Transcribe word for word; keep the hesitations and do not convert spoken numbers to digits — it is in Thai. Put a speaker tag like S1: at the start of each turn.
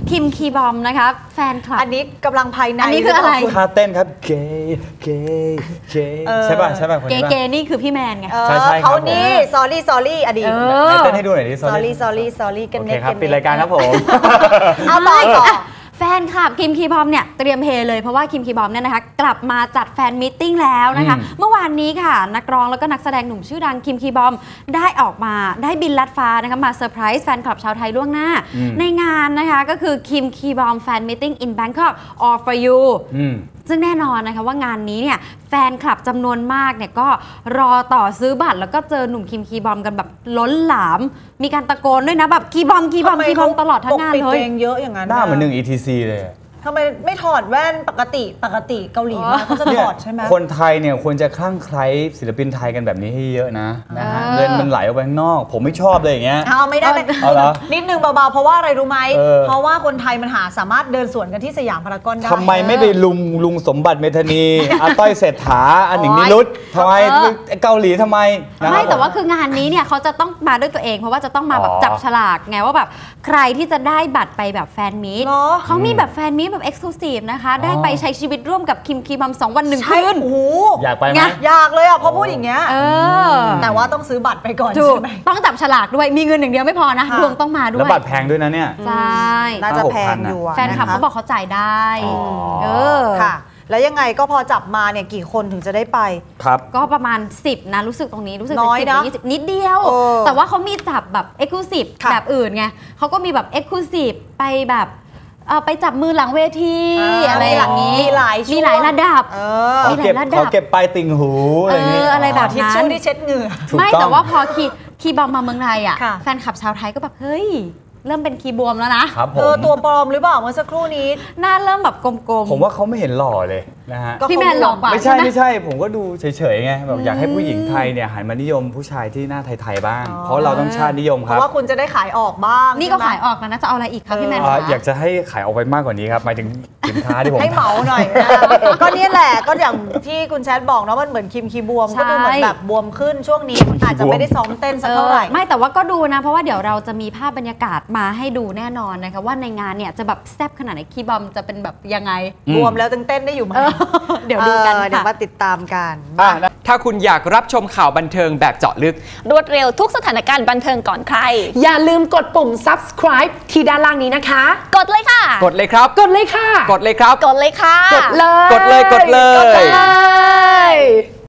S1: คิมคีบอมนะคะแฟนคลับ
S2: อันนี้กำลังภายใน
S1: อันนี้คืออะไร
S3: ท่าเต้นครับเกย์เกย์เกย์ใช่ป่ะใช่ป่ะคนนี้
S1: เกย์นี่คือพี่แมนไง
S3: ใช่ใช่
S2: เขานี่ sorry sorry อดีต
S3: เต้นให้ดูหน่อยดิ
S2: sorry sorry sorry กันเน็ต
S3: ครับปิดรายการครับผม
S2: เอาต่อต่อ
S1: แฟนคลับคิมคีบอมเนี่ยเตรียมเฮเลยเพราะว่าคิมคีบอมเนี่ยนะคะกลับมาจัดแฟนมิทติ้งแล้วนะคะเมื่อวานนี้ค่ะนักร้องแล้วก็นักแสดงหนุ่มชื่อดังคิมคีบอมได้ออกมาได้บินลัดฟ้านะคะมาเซอร์ไพรส์แฟนคลับชาวไทยล่วงหน้าในงานนะคะก็คือคิมคีบอมแฟนมิทติ้ง in Bangkok all for you ซึ่งแน่นอนนะคะว่างานนี้เนี่ยแฟนคลับจำนวนมากเนี่ยก็รอต่อซื้อบัตรแล้วก็เจอหนุ่มคิมคีบอมกันแบบล้นหลามมีการตะโกนด้วยนะแบบคีบอมคีบอมคีบอมตลอดทั้งงานเลย
S2: เพลงเยอะอย่างนั้น
S3: หน้าเหมือนหนึ่ง อี ที ซี เลย
S2: ทำไมไม่ถอดแว่นปกติปกติเกาหลีมาเขาจะถอดใช่ไหม
S3: คนไทยเนี่ยควรจะคลั่งไคล้ศิลปินไทยกันแบบนี้ให้เยอะนะนะฮะเงินมันไหลออกไปข้างนอกผมไม่ชอบเลยอย่างเงี้ย
S2: เอาไม่ได้
S3: เอาเหรอ
S2: นิดนึงเบาๆเพราะว่าอะไรรู้ไหมเพราะว่าคนไทยมันหาสามารถเดินสวนกันที่สยามพารากอนได้
S3: ทำไมไม่ไปลุงลุงสมบัติเมธานีอาต้อยเศรษฐาอันหนิงนิรุตทำไมเกาหลีทำไม
S1: ไม่แต่ว่าคืองานนี้เนี่ยเขาจะต้องมาด้วยตัวเองเพราะว่าจะต้องมาแบบจับฉลากไงว่าแบบใครที่จะได้บัตรไปแบบแฟนมีตเขามีแบบแฟนมีตแบบเอ็กซ์คลูซีฟนะคะได้ไปใช้ชีวิตร่วมกับคิมคีบอมสองวันหนึ่งคืน
S2: โอ้โห
S3: อยากไปไหม
S2: อยากเลยอ่ะเพราะพูดอย่างเงี้ยแต่ว่าต้องซื้อบัตรไปก่อนใช่ไหม
S1: ต้องจับฉลากด้วยมีเงินอย่างเดียวไม่พอนะดวงต้องมาด้วย
S3: แล้วบัตรแพงด้วยนะเนี่ย
S1: ใช่
S2: น่าจะแพงอยู่
S1: แฟนคลับเขาบอกเขาจ่ายได้เออ
S2: ค่ะแล้วยังไงก็พอจับมาเนี่ยกี่คนถึงจะได้ไป
S3: ครับ
S1: ก็ประมาณสิบนะรู้สึกตรงนี้รู้สึกน้อยนะยี่สิบนิดเดียวแต่ว่าเขามีจับแบบเอ็กซ์คลูซีฟแบบอื่นไงเขาก็มีแบบเอ็กซ์คลูซีฟไปแบบไปจับมือหลังเวทีอะไรอย่างนี้
S2: มีหลาย
S1: มีหลายระดับ
S3: มีหลายระดับเขาเก็บปลายติ่งหูอะไรอย่างนี้
S1: อะไรแบบ
S2: ทิชชู่ที่เช็ดเหงื่อ
S1: ไม่แต่ว่าพอคีบอมมาเมืองไทยอ่ะแฟนคลับชาวไทยก็แบบเฮ้ยเริ่มเป็นคีบวมแล้วนะ
S2: เออตัวปลอมหรือเปล่าเมื่อสักครู่นี้
S1: หน้าเริ่มแบบกลม
S3: ๆผมว่าเขาไม่เห็นหล่อเลยนะฮะ
S1: พี่แมนหล่อกว่า
S3: ไม่ใช่ไม่ใช่ผมก็ดูเฉยๆไงแบบอยากให้ผู้หญิงไทยเนี่ยหันมานิยมผู้ชายที่หน้าไทยๆบ้างเพราะเราต้องชาตินิยมครับ
S2: เพราะว่าคุณจะได้ขายออกบ้าง
S1: นี่ก็ขายออกแล้วนะจะเอาอะไรอีกครับพี่แมน
S3: อยากจะให้ขายออกไปมากกว่านี้ครับหมายถึงสินค้าที่ผม
S2: ให้เหมาหน่อยก็นี่แหละก็อย่างที่คุณแชทบอกนะมันเหมือนคิมคีบวมก็ดูเหมือนแบบบวมขึ้นช่วงนี้อาจจะไม่ได้ซ้อมเต้นสักเท่าไหร่
S1: ไม่แต่ว่าก็ดูนะเพราะว่าเดี๋ยวเราจะมีภาพบรรยากาศมาให้ดูแน่นอนนะคะว่าในงานเนี่ยจะแบบแซ่บขนาดไหนคีบอมจะเป็นแบบยังไง
S2: บวมแล้วเต้นได้อยู่ไหม
S1: เดี๋ยวดูกัน
S2: เดี๋ยวมาติดตามกัน
S4: ถ้าคุณอยากรับชมข่าวบันเทิงแบบเจาะลึก
S5: รวดเร็วทุกสถานการณ์บันเทิงก่อนใคร
S6: อย่าลืมกดปุ่ม subscribe ที่ด้านล่างนี้นะคะ
S5: กดเลยค่ะ
S4: กดเลยครับ
S6: กดเลยค่ะ
S4: กดเลยครับ
S5: กดเลยค่ะ
S6: กดเลย
S4: กดเลยกดเลย
S6: กดเลย